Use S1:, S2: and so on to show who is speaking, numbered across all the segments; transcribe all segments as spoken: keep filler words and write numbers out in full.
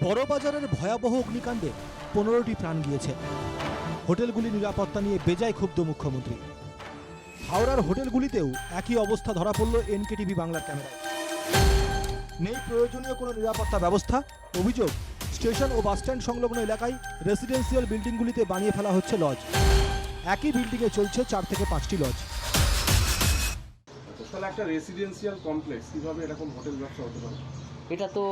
S1: বড়বাজারের ভয়াবহ অগ্নিকাণ্ডে পনেরোটি প্রাণ গিয়েছে। হোটেলগুলি নিরাপত্তা নিয়ে বেজায় ক্ষুব্ধ মুখ্যমন্ত্রী। হাওড়ার হোটেলগুলিতেও একই অবস্থা ধরা পড়ল এনকেটিভি বাংলার ক্যামেরায়। নেই প্রয়োজনীয় কোনো নিরাপত্তা ব্যবস্থা। অভিযোগ, স্টেশন ও বাসস্ট্যান্ড সংলগ্ন এলাকায় রেসিডেন্সিয়াল বিল্ডিংগুলিতে বানিয়ে ফেলা হচ্ছে লজ। একই বিল্ডিংয়ে চলছে চার থেকে পাঁচটি লজ।
S2: তাহলে একটা রেসিডেন্সিয়াল কমপ্লেক্স কিভাবে এরকম হোটেল ব্যবসা হতে পারে?
S3: এটা তো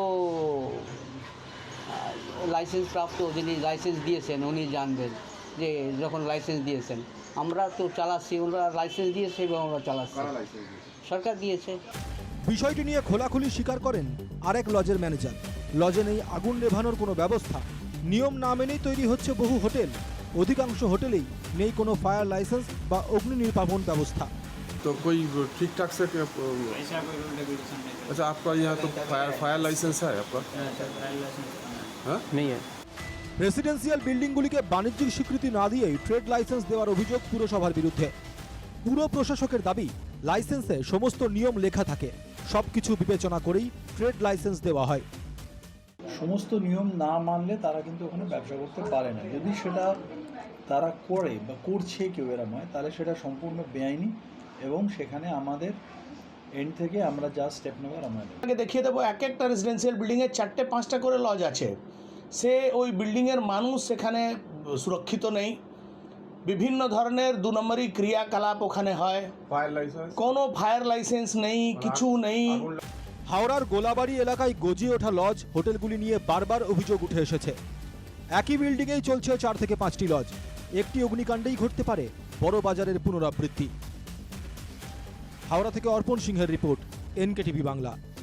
S3: লাইসেন্স প্রাপ্ত, যিনি লাইসেন্স দিয়েছেন উনি জানবেন যে যখন লাইসেন্স দিয়েছেন। আমরা তো চালাচ্ছি, ওরা লাইসেন্স দিয়েছে এবং আমরা চালাচ্ছি।
S2: কারা লাইসেন্স দিয়েছে?
S3: সরকার দিয়েছে।
S1: বিষয়টি নিয়ে খোলাখুলি স্বীকার করেন আরেক লজের ম্যানেজার। লজে নেই আগুন নেভানোর কোনো ব্যবস্থা। নিয়ম না মেনেই তৈরি হচ্ছে বহু হোটেল। অধিকাংশ হোটেলেই নেই কোনো ফায়ার লাইসেন্স বা অগ্নি নির্বাপন ব্যवस्था।
S2: तो कोई ठीक ठाक से क्या-
S4: ऐसा कोई रूल रेगुलेशन नहीं है।
S2: अच्छा, आपका यहाँ तो फायर फायर लाइसेंस है आपका?
S4: सरकारी लाइसेंस
S2: हाँ?
S4: नहीं है।
S1: রেসিডেন্সিয়াল বিল্ডিংগুলিকে বাণিজ্যিক স্বীকৃতি না দিয়েই ট্রেড লাইসেন্স দেওয়ার অভিযোগ পুরসভার বিরুদ্ধে। পুর প্রশাসকের দাবি, লাইসেন্সে সমস্ত নিয়ম লেখা থাকে, সবকিছু বিবেচনা করেই ট্রেড লাইসেন্স দেওয়া হয়।
S5: সমস্ত নিয়ম না মানলে তারা কিন্তু ওখানে ব্যবসা করতে পারে না। যদি সেটা তারা করে বা করছে কেউ এরম হয়, তাহলে সেটা সম্পূর্ণ বেআইনি এবং সেখানে আমাদের এন্ড থেকে আমরা যা স্টেপ নেওয়ার আমরা নেব।
S6: আগে দেখিয়ে দেবো, এক একটা রেসিডেন্সিয়াল বিল্ডিংয়ে চারটে পাঁচটা করে লজ আছে। সে ওই বিল্ডিংয়ের মানুষ সেখানে সুরক্ষিত নেই। বিভিন্ন ধরনের দু নম্বরই ক্রিয়াকলাপ ওখানে হয়।
S2: फायर लाइसेंस
S6: কোনো ফায়ার লাইসেন্স নেই, কিছু নেই।
S1: হাওড়ার গোলাবাড়ি এলাকায় গজিয়ে ওঠা লজ হোটেলগুলি নিয়ে বারবার অভিযোগ উঠে এসেছে। একই বিল্ডিংয়েই চলছে চার থেকে পাঁচটি লজ। একটি অগ্নিকাণ্ডেই ঘটতে পারে বড় বাজারের পুনরাবৃত্তি। হাওড়া থেকে অর্পণ সিংহের রিপোর্ট, এনকেটিভি বাংলা।